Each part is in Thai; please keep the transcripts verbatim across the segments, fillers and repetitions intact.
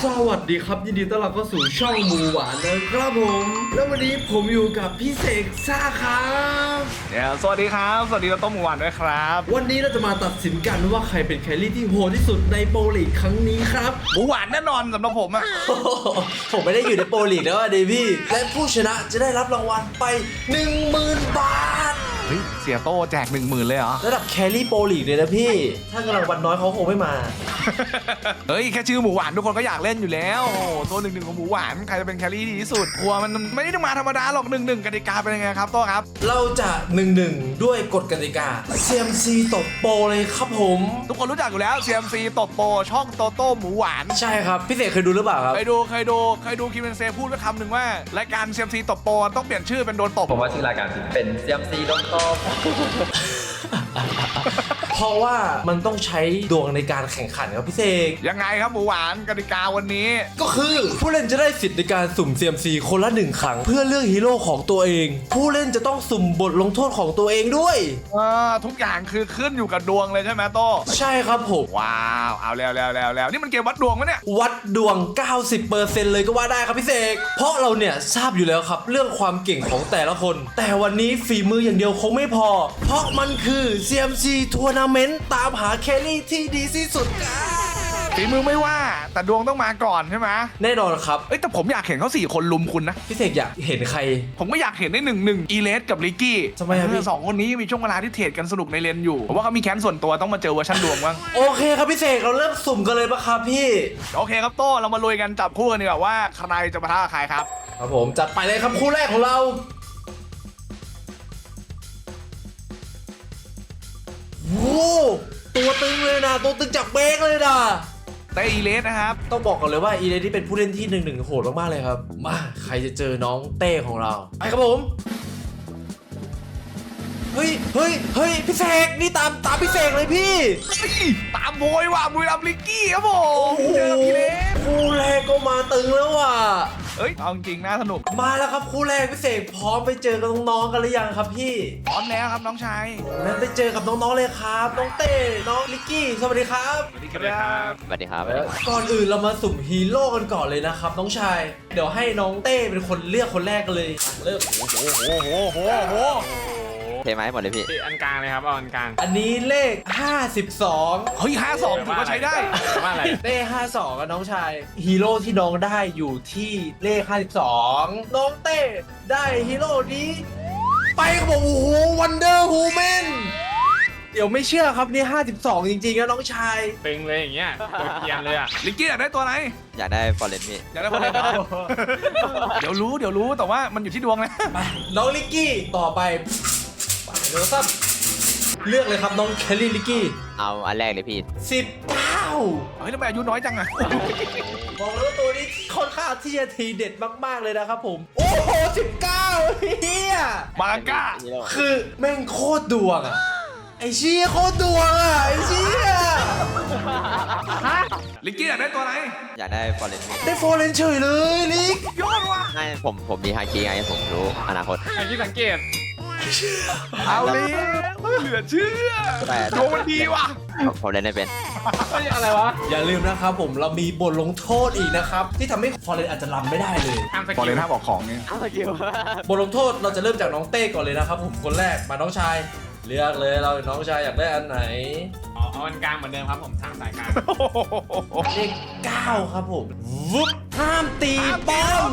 สวัสดีครับยินดีต้อนรับเข้าสู่ช่องหมูหวานนะครับผมแล้ววันนี้ผมอยู่กับพี่เสกซ่าครับเดี๋ยวสวัสดีครับสวัสดีเราต้มหมูหวานด้วยครับวันนี้เราจะมาตัดสินกันว่าใครเป็นแครี่ที่โหดที่สุดในโปรลีกครั้งนี้ครับหมูหวานแน่นอนสำหรับผมอะผมไม่ได้อยู่ในโปรลีกแล้วอะเดพี่และผู้ชนะจะได้รับรางวัลไป หนึ่งหมื่น บาทเฮ้ยเสียโต้แจกหนึ่งหมื่นเลยเหรอระดับแครี่โปรลีกเลยนะพี่ถ้ากำลังวันน้อยเขาคงไม่มาเฮ้ยแค่ชื่อหมูหวานทุกคนก็อยากเล่นอยู่แล้วโอ้โหตัวหนึ่งหนึ่งของหมูหวานใครจะเป็นแครี่ดีที่สุดกลัวมันไม่ได้มาธรรมดาหรอกหนึ่งหนึ่งกติกาเป็นยังไงครับโต้ครับเราจะหนึ่งหนึ่งด้วยกฎกติกา ซี เอ็ม ซี ตบโปรเลยครับผมทุกคนรู้จักอยู่แล้ว ซี เอ็ม ซี ตบโปรช่องโตโต้หมูหวานใช่ครับพี่เสกเคยดูหรือเปล่าครับเคยดูเคยดูเคยดูคิมเบนเซพูดไว้คำหนึ่งว่ารายการ ซี เอ็ม ซี ตบโปรต้องเปลี่ยนชื่อเป็นโดนตบผมว่าชื่อรายการผิดเป็น ซี เอ็ม ซี โดนตบเพราะว่ามันต้องใช้ดวงในการแข่งขันครับพี่เสกยังไงครับหมูหวานกติกาวันนี้ก็คือผู้เล่นจะได้สิทธิ์ในการสุ่ม ซี เอ็ม ซี คนละหนึ่งครั้งเพื่อเลือกฮีโร่ของตัวเอง ผู้เล่นจะต้องสุ่มบทลงโทษของตัวเองด้วยอ่าทุกอย่างคือขึ้นอยู่กับดวงเลยใช่ไหมโต้ใช่ครับผมว้าวเอาแล้วแล้วแล้วแล้วนี่มันเกมวัดดวงไหมเนี่ยวัดดวง เก้าสิบเปอร์เซ็นต์ เลยก็ว่าได้ครับพี่เสกเพราะเราเนี่ยทราบอยู่แล้วครับเรื่องความเก่งของแต่ละคน แต่วันนี้ฝีมืออย่างเดียวคงไม่พอ เพราะมันคือ ซี เอ็ม ซี ทัวร์นาเมนต์ตามหาแครี่ที่ดีที่สุดครับฝีมือไม่ว่าแต่ดวงต้องมาก่อนใช่ไหมแน่นอนครับเอ้ยแต่ผมอยากเห็นเขาสี่คนลุมคุณนะพี่เสกอยากเห็นใครผมก็อยากเห็นได้หนึ่งหนึ่งอีเลสกับลิกกี้ทำไมครับพี่สองคนนี้มีช่วงเวลาที่เทรดกันสนุกในเลนอยู่ผมว่าเขามีแค้นส่วนตัวต้องมาเจอเวอร์ชันดวงบ้างโอเคครับพี่เสกเราเริ่มสุ่มกันเลยปะครับพี่โอเคครับโต้เรามาลุยกันจับคู่กันดีกว่าว่าใครจะปะทะกับใครครับครับผมจัดไปเลยครับคู่แรกของเราโว้ตัวตึงเลยนะตัวตึงจากเบรกเลยนะเตอีเลสนะครับต้องบอกก่อนเลยว่าอีเลนที่เป็นผู้เล่นที่หนึ่งหนึ่งโหดมากๆเลยครับมาใครจะเจอน้องเต้ของเราไปครับผมเฮ้ยเฮ้ยเฮ้ยพี่เสกนี่ตามตามพี่เสกเลยพี่เฮ้ยตามโวยว่ะบุรีรัมย์ลิกกี้ครับผมเจออีเลสคู่แรกก็มาตึงแล้วว่ะเอ้ยเอาจริงๆน่าสนุกมาแล้วครับคู่แรกพี่เสกพร้อมไปเจอกับน้องๆกันหรือยังครับพี่พร้อมแล้วครับน้องชายงั้นไปเจอกับน้องๆเลยครับน้องเต้น้องลิกกี้สวัสดีครับสวัสดีครับสวัสดีครับก่อนอื่นเรามาสุ่มฮีโร่กันก่อนเลยนะครับน้องชายเดี๋ยวให้น้องเต้เป็นคนเลือกคนแรกกันเลยอ่ะเริ่มโอ้โหโอ้โหโอ้โหโอ้โหเทไม้หมดเลยพี่อันกลางเลยครับเอาอันกลางอันนี้เลขห้าสิบสองเฮ้ยห้าสองถือว่าใช้ได้ว่าอะไรเต้ห้าสิบสองกับน้องชายฮีโร่ที่น้องได้อยู่ที่เลขห้าสิบสองน้องเต้ได้ฮีโร่นี้ไปครับผมโอ้โหวันเดอร์ฮูแมนเดี๋ยวไม่เชื่อครับนี่ห้าสิบสองจริงๆนะน้องชายตึงเลยอย่างเงี้ยตัวเกรียนเลยอ่ะลิกกี้อยากได้ตัวไหนอยากได้ฟอร์เรนพี่อยากได้คนเล่นเหรอ เดี๋ยวรู้เดี๋ยวรู้แต่ว่ามันอยู่ที่ดวงนะไปน้องลิกกี้ต่อไปไปเดี๋ยวซับเลือกเลยครับน้องแคลรี่ลิกกี้เอาอันแรกเลยพี่สิบเก้าเฮ้ยทำไมอายุน้อยจังอะบอกเลยว่าตัวนี้ค่อนข้างที่จะทีเด็ดมากๆเลยนะครับผม โอ้โหสิบเก้าเฮียมาก้าคือแม่งโคตรดวงอะไอเชี่ยโคตรดวงอะไอเชี่ยลิกกี้อยากได้ตัวไหนอยากได้ฟอร์เรนพี่ได้โฟเรนเฉยเลยลิกยอดว่ะให้ผมผมมีฮาคิไงผมรู้อนาคตไอ้ที่สังเกตเอาเลยเหลือเชื่อแต่ดวงมันดีว่ะผมผมเล่นได้เป็นเฮ้ยอะไรวะอย่าลืมนะครับผมเรามีบทลงโทษอีกนะครับ ที่ทำให้ฟอเรนอาจจะรำไม่ได้เลยห้ามสพอกิเลลนห้าบอกของนี่เอาสกิลบทลงโทษเราจะเริ่มจากน้องเต้ก่อนเลยนะครับผมคนแรกมาน้องชายเลือกเลยเราน้องชายอยากได้อันไหนเอาเอาอันกลางเหมือนเดิมครับผมทางสายกลางเลขเก้าครับผมวุบห้ามตีป้อม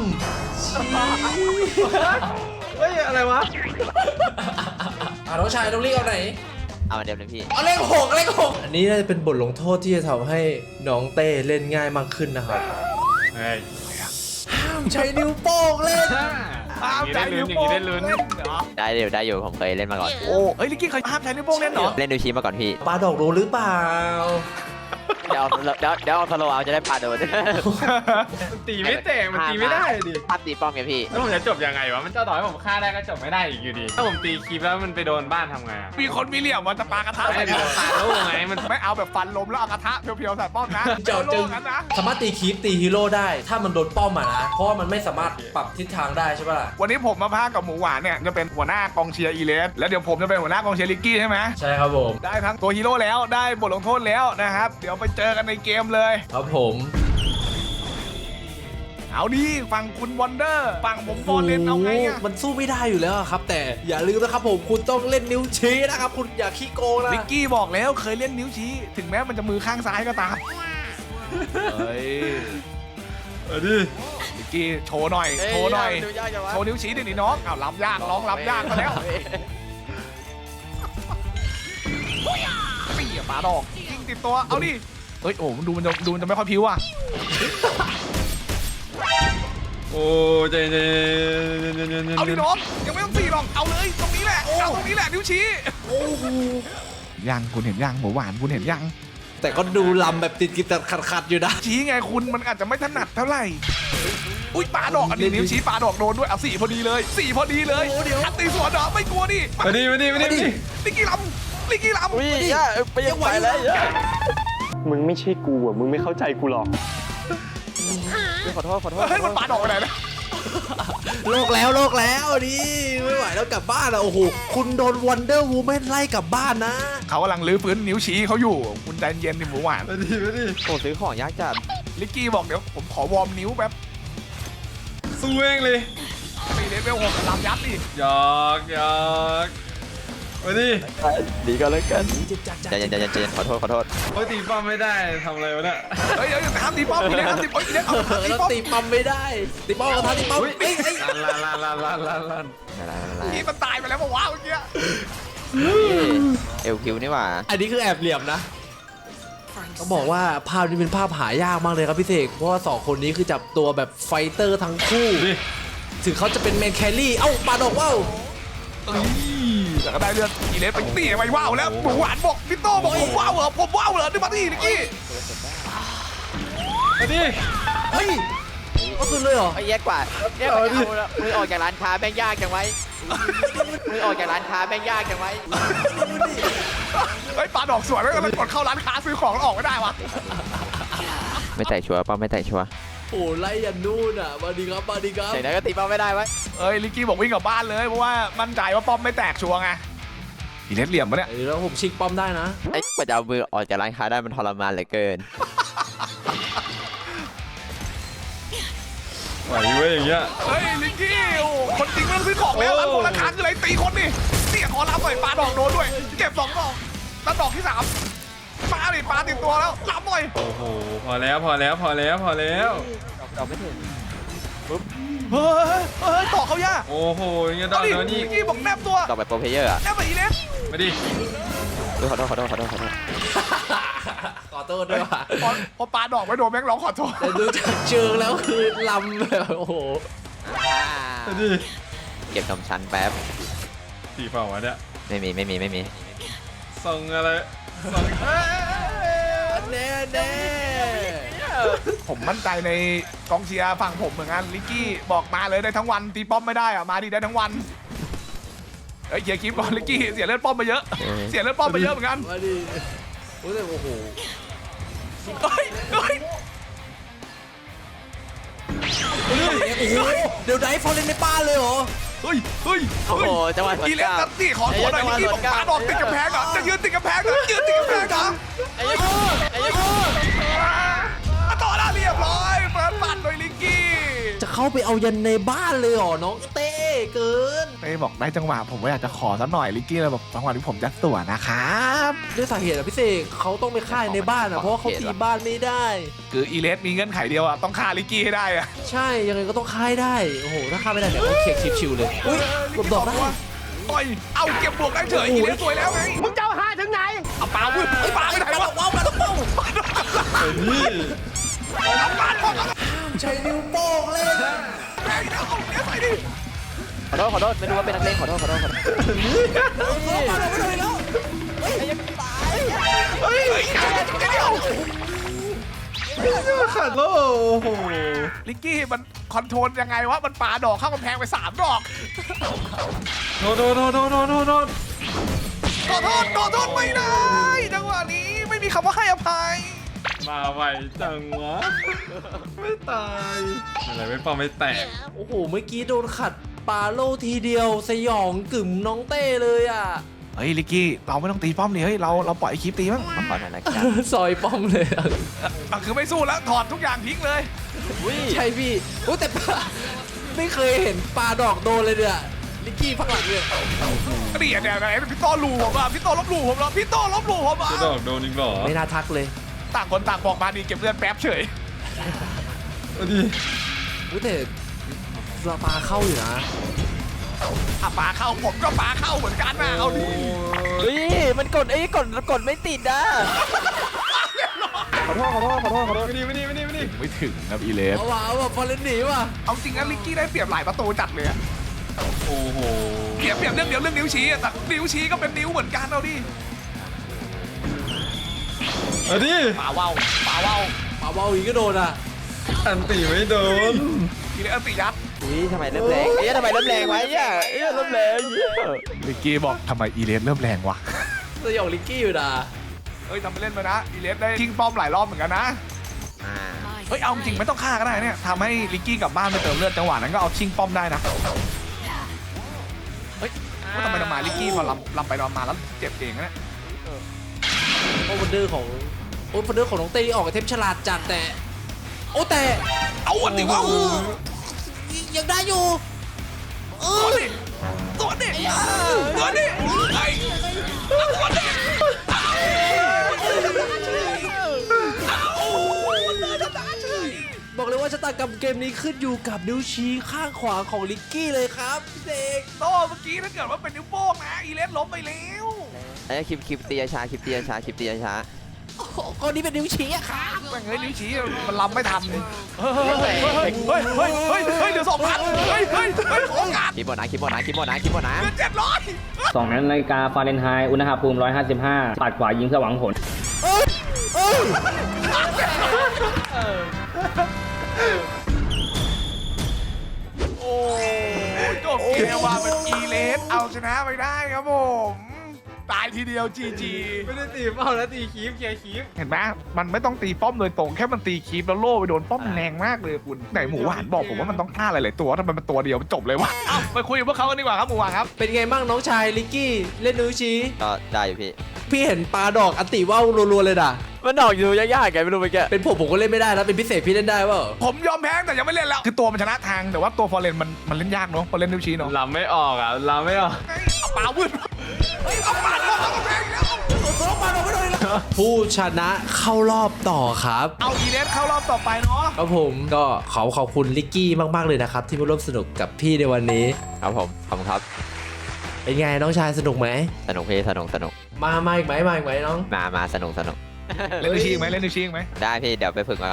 เฮ้ยอะไรวะอ่ะน้องชายต้องเรียกเอาไหนเอาอันเดิมเลยพี่เอาเลขหกเลขหกอันนี้น่าจะเป็นบทลงโทษที่จะทำให้น้องเต้เล่นง่ายมากขึ้นนะครับเฮ้ยห้ามใช้นิ้วโป้งเล่นห้ามใจได้นิ้ลุ้วนอโป้ย่าง งนี้ได้ลุ้นเล่นเหรอได้เดี๋ยวได้อยู่ผมเคยเล่นมาก่อนโอ้เอ้ยลิกกี้เคยห้ามใช้นิ้วโป้งเล่นเหรอเล่นดูชีมาก่อนพี่ปลาดอกรู้หรือเปล่าเดี๋ยวเอาเดี๋ยวเดี๋ยวเอาสโลว์เอาจะได้ปาโดนมันตีไม่แตกมันตีไม่ได้ดิภาพตีป้อมไงพี่แล้วผมจะจบยังไงวะมันจะต่อให้ผมฆ่าได้ก็จบไม่ได้อีกอยู่ดี ถ้าผมตีคลิปแล้วมันไปโดนบ้านทำไงอะมีคนมีเหลี่ยมมันจะปากระทะไม่ใส่ได้โดนตาโล่ไงมันไม่เอาแบบฟันลมแล้วเอากระทะเพียวๆใส่ป้อมนะเจาะโลจึงกันนะสามารถตีคีปตีฮีโร่ได้ ถ้ามันโดนป้อมอ่ะนะ เพราะว่ามันไม่สามารถปรับทิศทางได้ใช่ปะล่ะวันนี้ผมมาพากับหมูหวานเนี่ยจะเป็นหัวหน้ากองเชียร์อีเลสแล้วเดี๋ยวผมจะเป็นหัวหน้ากองเชียร์ลิกกี้ใช่ไหมใช่ครับผมได้ทั้งตัวฮีโร่แล้วได้บทลงโทษแล้วนะครับเดี๋ยวไปเจอกันในเกมเลยครับผมเอาดิฝั่งคุณวอนเดอร์ฝั่งผมฟอร์เรนเอาไงอะมันสู้ไม่ได้อยู่แล้วอะครับ แต่อย่าลืมนะครับผมคุณต้องเล่นนิ้วชี้นะครับ คุณอย่าขี้โกงนะลิกกี้บอกแล้วเคยเล่นนิ้วชี้ ถึงแม้มันจะมือข้างซ้ายก็ตามเฮ้ยเอาดิลิกกี้โชว์หน่อยโชว์หน่อยดูยากจังวะโชว์นิ้วชี้ดิหนิน้องอ้าวรับยากร้องรับยากมาแล้วตีปาดอกยิงติดตัวเอาดิเฮ้ยโอ้มันดูมันจะดูมันจะไม่ค่อยพิ้วอ่ะโอ้ใจเย็นเอาดิน้องยังไม่ต้องตีหรอกเอาเลยตรงนี้แหละเอาตรงนี้แหละนิ้วชี้โอ้โหยังคุณเห็นยังหมูหวานคุณเห็นยังแต่ก็ดูลำแบบติดกิบแต่ขัดๆอยู่นะชี้ไงคุณมันอาจจะไม่ถนัดเท่าไหร่อุ้ยปาดอกอันนี้นิ้วชี้ปาดอกโดนด้วยเอาสี่พอดีเลยสี่พอดีเลยอันตีสวนเหรอไม่กลัวดิมาดิมาดิมาดิมาดิลิกกี้ลำลิกกี้ลำอุ้ยย่าไปยังไปแล้วย่ามึงไม่ใช่กูอ่ะ มึงไม่เข้าใจกูหรอกขอโทษขอโทษเฮ้ยมันปาดอกไปไหนนะโลกแล้วโลกแล้วดิไม่ไหวแล้วกลับบ้านอะโอ้โหคุณโดนวันเดอร์วูแมนไล่กลับบ้านนะเขากำลังลื้อฟื้นนิ้วชี้เขาอยู่คุณใจเย็นดิหมูหวานมาดิมาดิโอ้ซื้อของยากจัดลิกกี้บอกเดี๋ยวผมขอวอร์มนิ้วแป๊บสู้เองเลยตีเลเวลหกลำยัดดิหยอกหยอกมาดิดีก็แล้วกันเจ็บจัดจัดใจเย็นใจเย็นใจเย็นขอโทษขอโทษโอ้ยตีป้อมไม่ได้ทำอะไรวะเนี่ยเฮ้ยเฮ้ยห้ามตีป้อมอีเล็กห้ามตีป้อมอีเล็กเอาห้ามตีแล้วป้อมตีปั๊มไม่ได้ตีปั๊มกับท่าตีปั๊มเอ้ยเอ้ยลันลันลันลันลันลันอะไรอะไรนี่มันตายไปแล้วบอกว่าเมื่อกี้เอลคิวนี่หว่าอันนี้คือแอบเหลี่ยมนะต้องบอกว่าภาพนี้เป็นภาพหายากมากเลยครับพี่เสกเพราะว่าสองคนนี้คือจับตัวแบบไฟเตอร์ทั้งคู่ดิถึงเขาจะเป็นแมนแครี่เอ้าปาดอกว่าวเอ้ยแต่ก็ได้เลือดอีเล็กไปตีไปว้าวแล้วหมูหวานบอกพี่โต้บอกผมว้าวเหรอผมว้าวเหรอนี่มาดิลิกกี้มาดิเฮ้ยก็คือเลยเหรอไอ้แย่กว่าเนี่ยมันเอาละมือออกจากร้านค้าแม่งยากจังไว้มือออกจากร้านค้าแม่งยากจังไว้เฮ้ยปลาดอกสวยแล้วมันกดเข้าร้านค้าซื้อของแล้วออกไม่ได้วะไม่แตะชัวร์ป้าไม่แตะชัวร์โอ้ไล่ยันนู่นอ่ะมาดีครับมาดีครับอย่างนั้นก็ตีป้าไม่ได้ไว้เอ้ยลิกกี้บอกวิ่งกลับบ้านเลยเพราะว่ามั่นใจว่าป้อมไม่แตกชัวร์ไงอีเล็กเหลี่ยมปะเนี่ยเดี๋ยวผมชิงป้อมได้นะไอ้กว่าจะเอามือออกจากร้านค้าได้มันทรมานเหลือเกินไหวเว้ยอย่างเงี้ยเฮ้ยลิกกี้โอ้คนจริงไม่ต้องซื้อของแล้วร้านพวกร้านค้าคืออะไรตีคนนี่เสี่ยขอรับหน่อยปลาดอกโดนด้วยเก็บสองดอกแล้วดอกที่สามปลาดิปลาติดตัวแล้วรับหน่อยโอ้โหพอแล้วพอแล้วพอแล้วพอแล้วเราไม่ถึงเฮ้ยเฮ้ยต่อเขาย่าโอ้โหอย่างเงี้ยดเอาอกดิเดี๋ยวนี้ลิกกี้บอกแนบตัวต่อไปโปรเพลเยอร์อะแนบไปอีเล็กมาดิอุ๊ยขอโทษขอโทษขอโทษขอโทษขอโทษด้วยว่ะพอพอปลาดอกไม่โดนแม่งร้องขอโทษแต่ดูจากเชิงแล้วคือลำแบบโอ้โหมาดิเก็บกำชั้นแป๊บตีเปล่าวะเนี่ยไม่มีไม่มีไม่มีส่งอะไรส่งเอ้ยแน่แน่ผมมั่นใจในกองเชียร์ฝั่งผมเหมือนกันลิกกี้บอกมาเลยได้ทั้งวันตีป้อมไม่ได้อะมาดิได้ทั้งวันเฮ้ยเคลียร์คลิปก่อนลิกกี้เสียเลือดป้อมไปเยอะ เสียเลือดป้อมไปเยอะเหมือนกันมาดิโอ้แต่โอ้โหเฮ้ยเฮ้ยโอ้โหเดี๋ยวไดฟอร์เรนในป้าเลยเหรอเฮ้ยเฮ้ยโอ้โหจังหวะสวนอีเล็กกลันับตตี้ขอตัวหน่อยลิกกี้บอกปาดอกติดกำแพงเหรอจะยืนติดกำแพงเหรอยืนติดกำแพงเหรอไอ้ยักษ์ไอ้ยักษ์ต่อแล้วเรียบร้อยเปิดปัดโดยลิกกี้จะเข้าไปเอายันในบ้านเลยเหรอน้องเต้เกินเต้บอกได้จังหวะผมก็อยากจะขอสักหน่อยลิกกี้เลยบอกจังหวะที่ผมจะตัวนะครับด้วยสาเหตุอะพี่เสกเขาต้องไปฆ่าในบ้านอะเพราะว่าเขาตีบ้านไม่ได้คืออีเลสมีเงื่อนไขเดียวอะต้องฆ่าลิกกี้ให้ได้อะใช่ยังไงก็ต้องฆ่าให้ได้โอ้โหถ้าฆ่าไม่ได้เดี๋ยวเขาเคียกชิวๆเลยอุ้ยกดดอกได้ต่อยเอาเก็บบวกได้เฉยอีเลสสวยแล้วไงมึงจะเอาหาถึงไหนเอาปลาพุ่งไอ้ปลาไปไหนวะว้าวมาต้องป้องนี่เอาปลาพ่อใช้นิ้วโป้งเล่นแม่งเอาเนี้ยใส่ดิขอโทษขอโทษไม่รู้ว่าเป็นนักเลงขอโทษขอโทษขอโทษมาเราไม่เลยแล้วเฮ้ยเฮ้ยเดี๋ยวขัดโลโอ้โหลิกกี้มันคอนโทรลยังไงวะมันปาดอกเข้ากำแพงไปสามดอกโดนโดนโดนโดนโดนโดนโดนขอโทษขอโทษไม่ได้จังหวะนี้ไม่มีคำว่าให้อภัยมาไวจังวะไม่ตายอะไรไม่ป้อมไม่แตกโอ้โหเมื่อกี้โดนขัดปาโลทีเดียวสยองกึ่มน้องเต้เลยอ่ะเฮ้ยลิกกี้เราไม่ต้องตีป้อมนี่เฮ้ยเราเราปล่อยคลิปตีมั้งขอหน่อยละกันซอยป้อมเลยอะอ่ะคือไม่สู้แล้วถอดทุกอย่างทิ้งเลยใช่พี่โอ้แต่ปลาไม่เคยเห็นปลาดอกโดนเลยเนี่ยลิกกี้พักหลังเนี่ยนี่เนี่ยไงพี่โต้ลูผมอ่ะพี่โต้ลบหลู่ผมเหรอพี่โต้ลบหลู่ผมอ่ะจะดอกโดนอีกเหรอไม่น่าทักเลยต่างคนต่างบอกมาดีเก็บเลือดแป๊บเฉยเอาดิอุ้ยแต่ปลาเข้าอยู่นะอ่ะปลาเข้าผมก็ปลาเข้าเหมือนกันนะเอาดิเฮ้ยมันกดไอ้กดกดไม่ติดนะขอโทษขอโทษขอโทษขอโทษไม่ดีไม่ดีไม่ดีไม่ดีไม่ถึงนะอีเลสเอาว่ะเอาว่ะฟอร์เรนหนีว่ะเอาจริงนะลิกกี้ได้เปรียบหลายประตูจัดเลยอะโอ้โหเปรียบเปรียบเรื่องเดียวเรื่องนิ้วชี้อะแต่นิ้วชี้ก็เป็นนิ้วเหมือนกันเอาดิเอาดิปลาว่าวปลาว่าวปลาเบาอีกก็โดนอ่ะอันตีไม่โดนอีเลสอันติยัดอุ้ยทำไมเริ่มแรงเอ้ยทำไมเริ่มแรงวะเนี่ยเอ้ยเริ่มแรงเหี้ยลิกกี้บอกทำไมอีเลสเริ่มแรงวะสยองลิกกี้อยู่นะเอ้ยทำไปเล่นไปนะอีเลสได้ทิ้งป้อมหลายรอบเหมือนกันนะเฮ้ยเอาจริงไม่ต้องฆ่าก็ได้เนี่ยทำให้ลิกกี้กลับบ้านไปเติมเลือดจังหวะนั้นก็เอาชิงป้อมได้นะเฮ้ยว่าทำไมทำไมลิกกี้พอลำลำไปลำมาแล้วเจ็บเองนะเนี่ยโอ้วันเดอร์ของโอ้วันเดอร์ของน้องเต้ออกกับเทปฉลาดจัดแต่โอ้แต่เอาอันนี้ว่ายังได้อยู่เอตัวอนี้ตัวนี้ตัวนี้ไอ้ตัวนี้บอกเลยว่าชะตากรรมเกมนี้ขึ้นอยู่กับนิ้วชี้ข้างขวาของลิกกี้เลยครับพี่เด็กโตเมื่อกี้ถ้าเกิดว่าเป็นนิ้วโป้งนะอีเลสล้มไปแล้วไอ้คลิปคลิปตีช้าคลิปตีช้าคลิปตีช้าโอ้โหข้อนี้เป็นนิ้วชี้อะครับแม่งเฮ้ยนิ้วชี้มันลำไม่ทันเฮ้ยเฮ้ยเฮ้ยเฮ้ยเฮ้ยเฮ้ยเฮ้ยเดี๋ยวสองพันเฮ้ยเฮ้ยเฮ้ยโอกาสคลิปบอนะคลิปบอนะคลิปบอนะคลิปบอนะเดือนเจ็ดร้อยสองนาฬิกาฟาเรนไฮต์อุณหภูมิ หนึ่งร้อยห้าสิบห้า ปัดขวายิงเพื่อหวังผลเอ้ยเอ้ยโอ้จบเกมว่าเป็นอีเลสเอาชนะไปได้ครับผมตายทีเดียวจีจีไม่ได้ตีเป้าแล้วตีคีฟเคลียร์คีฟเห็นไหมมันไม่ต้องตีป้อมโดยตรงแค่มันตีคีปแล้วโล่ไปโดนป้อมแรงมากเลยคุณไหนหมูหวานบอกผมว่ามันต้องฆ่าหลายๆตัวทำไมมันตัวเดียวมันจบเลยวะเอ้าไปคุยกับพวกเขากันดีกว่าครับหมูหวานครับเป็นไงบ้างน้องชายลิกกี้เล่นนิ้วชี้ก็ได้อยู่พี่พี่เห็นปลาดอกอันติว่าวรัวๆเลยด่ะมันดอกอยู่ยากๆไงไม่รู้ไปแกเป็นผมผมก็เล่นไม่ได้นะเป็นพิเศษพี่เล่นได้เปล่าผมยอมแพ้แต่ยังไม่เล่นแล้วคือตัวมันชนะทางแต่ว่าตัวฟอร์เรนมันมันเล่นยากเนาะพอเล่นนิ้วชี้เนาะลำไม่ออกอ่ะลำไม่ออกเอาปลาวืดเฮ้ยเอาปลาลงเอาแพงแล้วผู้ชนะเข้ารอบต่อครับเอาอีเลสเข้ารอบต่อไปเนาะครับผมก็ขอขอบคุณลิกกี้มากๆเลยนะครับที่มาร่วมสนุกกับพี่ในวันนี้ครับผมขอบคุณครับเป็นไงน้องชายสนุกไหมสนุกพี่สนุกสนุกมามาอีกไหมมาอีกไหมน้องมามาสนุกสนุกเล่นนิ้วชี้ไหมเล่นนิ้วชี้ไหมได้พี่เดี๋ยวไปฝึกมาก่อน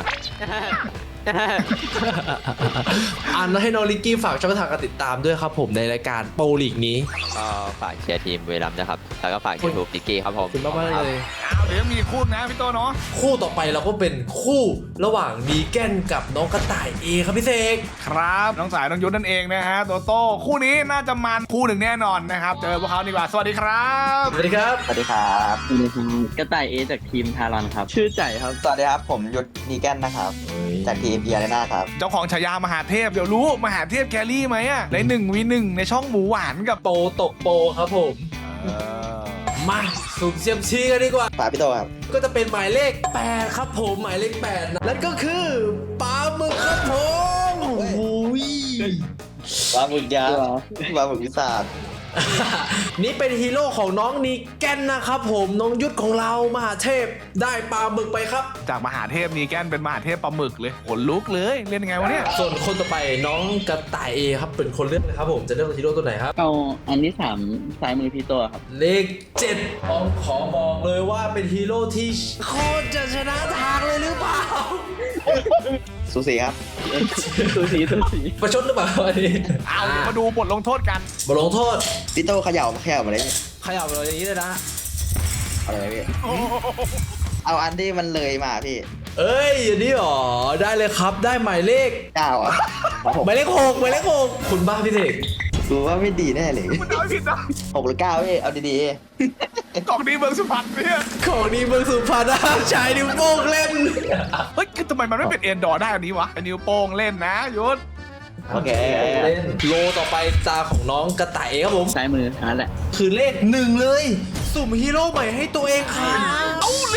อันให้น้องลิกกี้ฝากช่องทางการติดตามด้วยครับผมในรายการโปรลีกนี้ก็ฝากเชียร์ทีมบุรีรัมย์นะครับแล้วก็ฝากยูทูบดิกกี้ครับผขอมบคุณมากๆเลยเอาเดี๋ยวมีคู่นะพี่โตเนาะคู่ต่อไปเราก็เป็นคู่ระหว่างดีแกนกับน้องกระต่ายเอครับพี่เสกครับน้องสายน้องยุทธนั่นเองนะฮะโตโต้คู่นี้น่าจะมันคู่หนึ่งแน่นอนนะครับเจอพวกเขาดีกว่าสวัสดีครับสวัสดีครับสวัสดีครับกระต่ายเอจากทีมทารอนครับ ชื่อใจครับสวัสดีครับ ผมยุทธนีแกนนะครับ จากทีมเอียร์นาครับเจ้าของฉายามหาเทพเดี๋ยวรู้มหาเทพแครี่ไหมอะในหนึ่งวีหนึ่งในช่องหมูหวานกับโปรตกโปรครับผม มาสุ่มเซียมซีกันดีกว่าฝากพี่โตครับก็จะเป็นหมายเลขแปดครับผมหมายเลขแปดนะนั่นก็คือปลาหมึกครับผมโอ้ยปลาหมึกยักษ์ปลาหมึกวิสานี่เป็นฮีโร่ของน้องนีแกนนะครับผมน้องยุทธของเรามหาเทพได้ปลาหมึกไปครับจากมหาเทพนีแกนเป็นมหาเทพปลาหมึกเลยขนลุกเลยเล่นยังไงวะเนี่ยส่วนคนต่อไปน้องกระต่ายเอครับเป็นคนเลือกนะครับผมจะเลือกฮีโร่ตัวไหนครับเอาอันที่สามซ้ายมือพี่ตัวครับเลขเจ็ดผมขอบอกเลยว่าเป็นฮีโร่ที่โคตรจะชนะทางเลยหรือเปล่าสูสีครับตัวสีตัวสีประชดหรือเปล่าอันนี้เอาเดี๋ยวมาดูบทลงโทษกันบทลงโทษพี่โตเขย่ามาเขย่ามาเลยขยับเลยอย่างนี้เลยนะเอาอะไรพี่ เอาอันที่มันเลยมาพี่เอ้ยอันนี้หรอได้เลยครับได้หมายเลขเก้าอ่ะหมายเลขหกหมายเลขหกคุณบ้าพี่เสกดูว่าไม่ดีแน่เลยมันเอาไม่ผิดนะหกหรือเก้าพี่ เอาดีกล่องนี้เมืองสุพรรณเนี่ยของดีเมืองสุพรรณนะชายนิ้วโป้งเล่นเฮ้ยคือทำไมมันไม่เป็นเอ็นดอร์ได้อันนี้วะไอ้นิ้วโป้งเล่นนะยุทธๆ โอเคเล่นโลต่อไปตาของน้องกระต่ายครับผมซ้ายมืออันนั้นแหละคือเลขหนึ่งเลย สุ่มฮีโร่ใหม่ให้ตัวเองครับเอาเล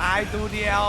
ตายตัวเดียว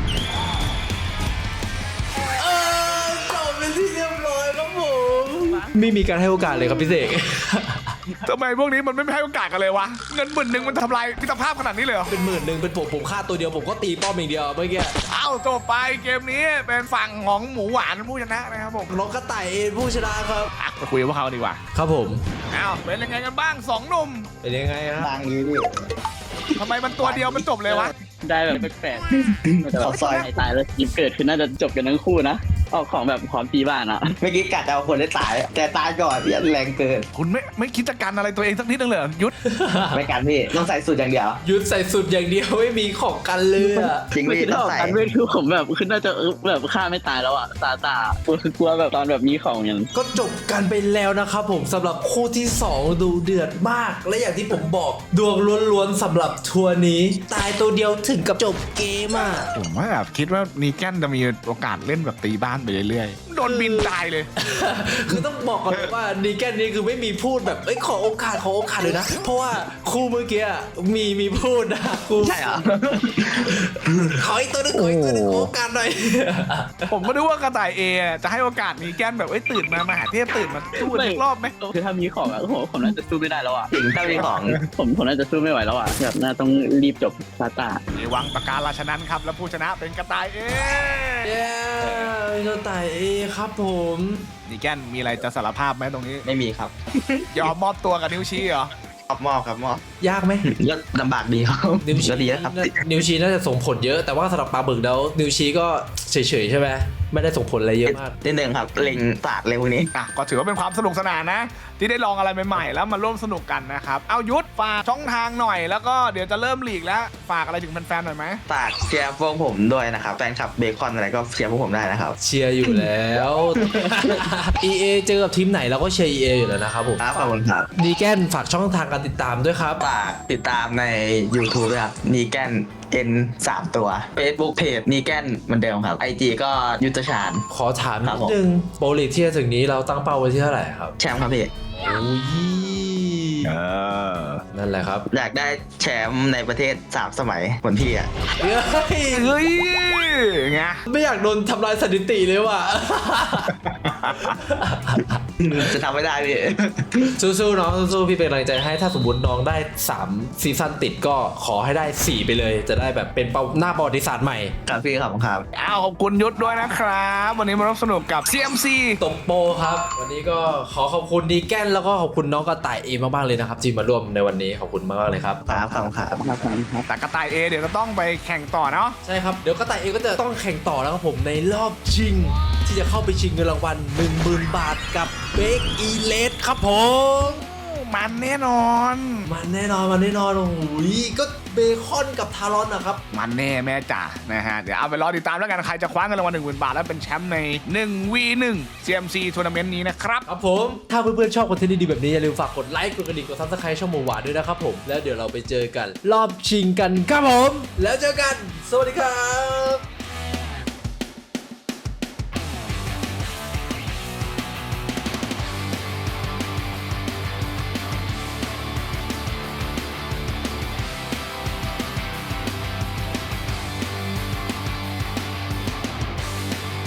เออจบเป็นที่เรียบร้อยครับผมไม่มีการให้โอกาสเลยครับพี่เสกทำไมพวกนี้มันไม่ให้โอกาสกันเลยวะ เงินหมื่นหนึ่งมันทำลายมิตรภาพขนาดนี้เลยเหรอเป็นหมื่นหนึ่งเป็นผมผมฆ่าตัวเดียวผมก็ตีป้อมอย่างเดียวเมื่อกี้เอ้าจบไปเกมนี้เป็นฝั่งของหมูหวานผู้ชนะนะครับผมน้องกระต่ายเองผู้ชนะครับอ่ะไปคุยกับพวกเขาดีกว่าครับผมเอ้าเป็นยังไงกันบ้างสองหนุ่มเป็นยังไงครับบางนี้พี่ทำไมมันตัวเดียวมันจบเลยวะได้แบบแปลกๆแต่แบบซอยไอ้ตายแล้วยิบเกิดคือน่าจะจบกันทั้งคู่นะเอาของแบบความตีบ้านอะเมื่อกี้กัดจะเอาคนได้ตาย แต่ตายก่อนพี่แรงเกินคุณไม่ไม่คิดจะกันอะไรตัวเองสักนิดนึงเลยเหรอยุทธไม่กันพี่ต้องใส่สูตรอย่างเดียวยุดใส่สุดอย่างเดียวไม่มีของกันเลยอะจริงไม่พี่คิดต้องออกใส่กันเว้ยคือผมแบบคือน่าจะเออแบบฆ่าไม่ตายแล้วอะตาตากลัวคือกลัวแบบตอนแบบมีของอย่างก็จบกันไปแล้วนะครับผมสำหรับคู่ที่สองดูเดือดมาก และอย่างที่ผมบอกดวงล้วนๆสำหรับทัวร์นี้ ตายตัวเดียวถึงกับจบเกมอ่ะผมว่าแบบคิดว่านีแกนจะมีโอกาสเล่นแบบตีบ้านไปเรื่อยๆโดนบินตายเลยคือต้องบอกก่อนเลยว่าดีแกนนี่คือไม่มีพูดแบบเอ้ยขอโอกาสขอโอกาสเลยนะ เพราะว่าคู่เมื่อกี้อะมีมีพูดนะคู่ใช่เหรอขออีกตัวหนึงขออีกตัวหนึงขอโอกาสหน่อยผมก็นึกว่ากระต่ายเอจะให้โอกาสนีแกนแบบเอ้ยตื่นมามหาเทพตื่นมาสู้กันอีกรอบไหมคือถ้ามีของอะผมผมน่าจะสู้ไม่ได้แล้วอะจริงถ้ามีของผมผมน่าจะสู้ไม่ไหวแล้วอะแบบน่าต้องรีบจบซาตาในวังปากการาชนั้นครับ แล้วผู้ชนะเป็นกระต่ายเอเย้กระต่ายเอครับผมนีแกนมีอะไรจะสารภาพไหมตรงนี้ไม่มีครับยอมมอบตัวกับนิ้วชี้เหรอมอบมอบครับมอบยากไหมก็ลำบากดีครับนิวชีก็ดีนะครับนิวชีน่าจะส่งผลเยอะแต่ว่าสำหรับปลาบึกแล้วนิวชีก็เฉยๆใช่ไหมไม่ได้ส่งผลอะไรเยอะมากนิดนึงครับเล็งปากเลยพวกนี้อ่ะก็ถือว่าเป็นความสนุกสนานนะ ที่ได้ลองอะไรใหม่ๆ แล้วมาร่วมสนุกกันนะครับ เอายุทธฝากช่องทางหน่อยแล้วก็เดี๋ยวจะเริ่มลีกแล้ว ฝากอะไรถึงแฟนๆหน่อยไหมฝากเชียร์พวกผมด้วยนะครับแฟนคลับเบคอนอะไรก็เชียร์พวกผมได้นะครับเชียร์อยู่แล้ว อี เอ เจอกับทีมไหนเราก็เชียร์ อี เอ อยู่แล้วนะครับผมครับขอบคุณครับดีแกนฝากช่องทางการติดตามด้วยครับฝากติดตามใน YouTube ด้วยครับนีแกน N สามตัว Facebook Page นีแกนเหมือนเดิมครับ ไอ จี ก็ยุทธชาญขอถามครันิบดผมนึงโปรลีกที่จะถึงนี้เราตั้งเป้าไว้ที่เท่าไหร่ครับแชมป์ครับพี่โอ้ยเออนั่นแหละครับอยากได้แชมป์ในประเทศสามสมัยเหมือนพี่อ่ะเฮ้ยเฮ้ยไงไม่อยากโดนทำลายสถิติเลยว่ะจะทำไม่ได้พี่สู้ๆน้องสู้ๆพี่เป็นกำลังใจให้ถ้าสมมติน้องได้สามซีซั่นติดก็ขอให้ได้สี่ไปเลย จะได้แบบเป็นเป้าหน้าประวัติศาสตร์ใหม่ครับพี่ครับครับอ้าวขอบคุณยุทธด้วยนะครับ วันนี้มาร่วมสนุกกับ ซี เอ็ม ซีตบโปครับ วันนี้ก็ขอขอบคุณดีแกนแล้วก็ขอบคุณน้องกระต่ายเอมากๆเลยนะครับที่มาร่วมในวันนี้ขอบคุณมากๆเลยครับครับครับครับครับครับแต่กระต่ายเอเดี๋ยวจะต้องไปแข่งต่อเนาะใช่ครับเดี๋ยวกระต่ายเอก็จะต้องแข่งต่อแล้วครับผมในรอบชิง ที่จะเข้าไปชิงเงินรางวัล หนึ่งหมื่น บาทกับเบคอีเลสครับผมมันแน่นอนมันแน่นอนมันแน่นอนโอ้โหก็เบคอนกับทารอนนะครับมันแน่แม่จ๋านะฮะ เดี๋ยวเอาไปรอติดตามแล้วกัน ใครจะคว้าเงินรางวัลหนึ่งหมื่นบาท แล้วเป็นแชมป์ใน หนึ่ง วี หนึ่ง ซี เอ็ม ซี ทัวร์นาเมนต์นี้นะครับครับผมถ้าเพื่อนๆชอบคอนเทนต์ดีๆแบบนี้อย่าลืมฝากกดไลค์กดกระดิ่งกดซับสไครต์ช่องหมูหวานด้วยนะครับผมแล้วเดี๋ยวเราไปเจอกัน รอบชิงกันครับผม แล้วเจอกัน สวัสดีครับ